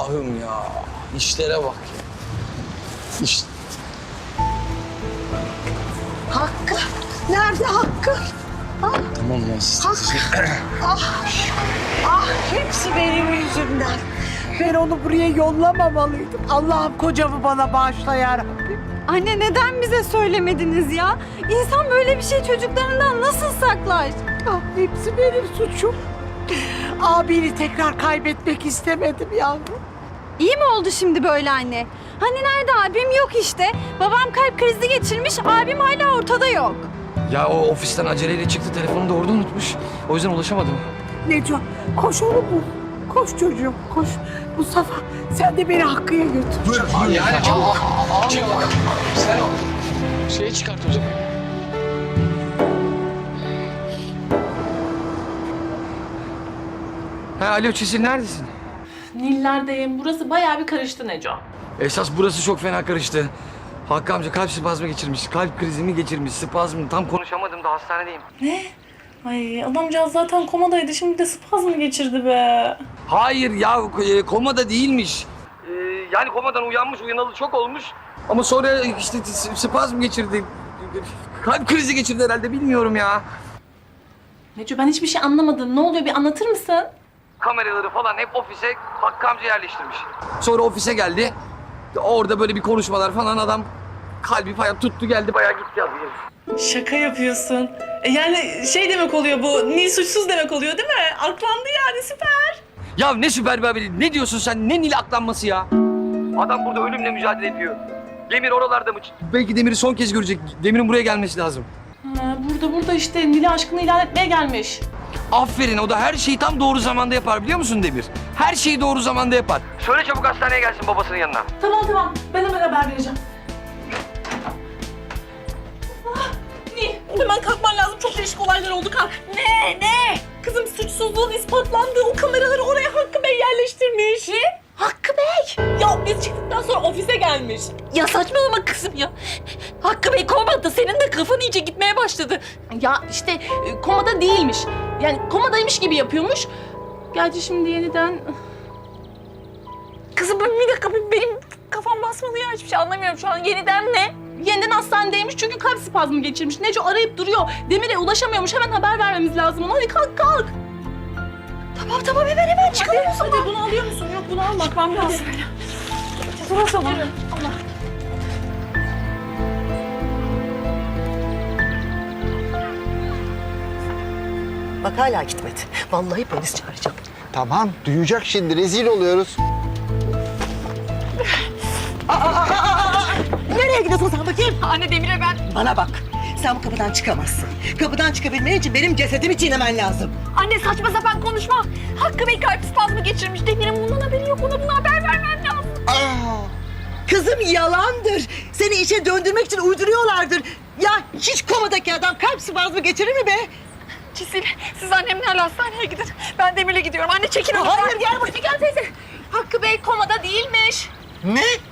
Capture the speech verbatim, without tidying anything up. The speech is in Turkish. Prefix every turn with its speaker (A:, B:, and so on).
A: Allah'ım ya. İşlere bak ya. İş...
B: Hakkı. Nerede Hakkı? Ah,
A: Tamam ya siz...
B: Hakkı. ah, ah, hepsi benim yüzümden. Ben onu buraya yollamamalıydım. Allah'ım kocamı bana bağışla ya Rabbim.
C: Anne neden bize söylemediniz ya? İnsan böyle bir şey çocuklarından nasıl saklar?
B: Ah, hepsi benim suçum. Abini tekrar kaybetmek istemedim yavrum.
C: İyi mi oldu şimdi böyle anne? Hani nerede abim yok işte. Babam kalp krizi geçirmiş, abim hala ortada yok.
A: Ya o ofisten aceleyle çıktı, telefonu da orada unutmuş. O yüzden ulaşamadım.
B: Neco, koş onu bul. Koş çocuğum, koş. Mustafa, sen de beni Hakkı'ya götür.
A: Dur, abi yani çabuk. Çabuk. Sen o şeyi çıkart o zaman. Ha, alo Çisil, neredesin?
D: Niller'deyim. Burası bayağı bir karıştı Neco.
A: Esas burası çok fena karıştı. Hakkı amca kalp spazmı geçirmiş, kalp krizimi geçirmiş, spazmı. Tam konuşamadım da hastanedeyim.
D: Ne? Ay adamcağız zaten komadaydı. Şimdi de spazm geçirdi be.
A: Hayır ya, e, komada değilmiş. Ee, yani komadan uyanmış, uyanalı çok olmuş. Ama sonra işte s- spazm geçirdi. Kalp krizi geçirdi herhalde, bilmiyorum ya.
D: Neco ben hiçbir şey anlamadım. Ne oluyor bir anlatır mısın?
A: Kameraları falan hep ofise Hakkı amca yerleştirmiş. Sonra ofise geldi. Orada böyle bir konuşmalar falan, adam kalbi bayağı tuttu geldi, bayağı gitti abi.
D: Şaka yapıyorsun. E yani şey demek oluyor bu. Nil suçsuz demek oluyor değil mi? Aklandı yani süper.
A: Ya ne süper bir haberi, ne diyorsun sen, ne Nil aklanması ya? Adam burada ölümle mücadele ediyor. Demir oralarda mı? Belki Demir'i son kez görecek. Demir'in buraya gelmesi lazım.
D: Ha, burada burada işte Nil'e aşkını ilan etmeye gelmiş.
A: Aferin, o da her şeyi tam doğru zamanda yapar, biliyor musun Demir? Her şeyi doğru zamanda yapar. Söyle çabuk hastaneye gelsin babasının yanına.
D: Tamam tamam ben hemen haber vereceğim. Ah, Nil hemen kalkman lazım. Çok değişik olaylar oldu kalk. Ne ne? Kızım suçsuzluğun ispatlandığı o kameraları oraya Hakkı Bey yerleştirmiş. Ne? Hakkı Bey? Ya biz çıktıktan sonra ofise gelmiş.
E: Ya saçmalama kızım ya. Hakkı Bey komada, senin de kafan iyice gitmeye başladı.
D: Ya işte e, komada değilmiş. Yani komadaymış gibi yapıyormuş. Gerçi şimdi yeniden...
E: Kızım bir dakika, benim kafam basmadı ya, hiçbir şey anlamıyorum şu an. Yeniden ne?
D: Yeniden hastanedeymiş çünkü kalp spazmı geçirmiş. Neco arayıp duruyor. Demir'e ulaşamıyormuş. Hemen haber vermemiz lazım ona. Hadi kalk kalk.
E: Tamam tamam hemen hemen çıkalım o zaman.
D: Hadi bunu alıyor musun? Yok bunu al. Bakmam lazım.
E: Dur o zaman.
D: Allah.
B: Bak hala gitmedi. Vallahi polis çağıracağım.
F: Tamam, duyacak şimdi. Rezil oluyoruz.
B: Nereye gidiyorsun sen bakayım?
E: Anne Demir'e ben...
B: Bana bak. Sen bu kapıdan çıkamazsın. Kapıdan çıkabilmen için benim cesedimi çiğnemen lazım.
E: Anne saçma sapan konuşma. Hakkı Bey kalp spazmı geçirmiş. Demir'in bundan haberi yok. Ona bunu haber vermem lazım.
B: Aa, kızım yalandır. Seni işe döndürmek için uyduruyorlardır. Ya hiç komadaki adam kalp spazmı geçirir mi be?
E: Çisil, siz annemlerle hastaneye gidin. Ben Demir'le gidiyorum. Anne çekil.
B: Hayır, gel buraya.
E: Gel teyze. Hakkı Bey komada değilmiş.
B: Ne?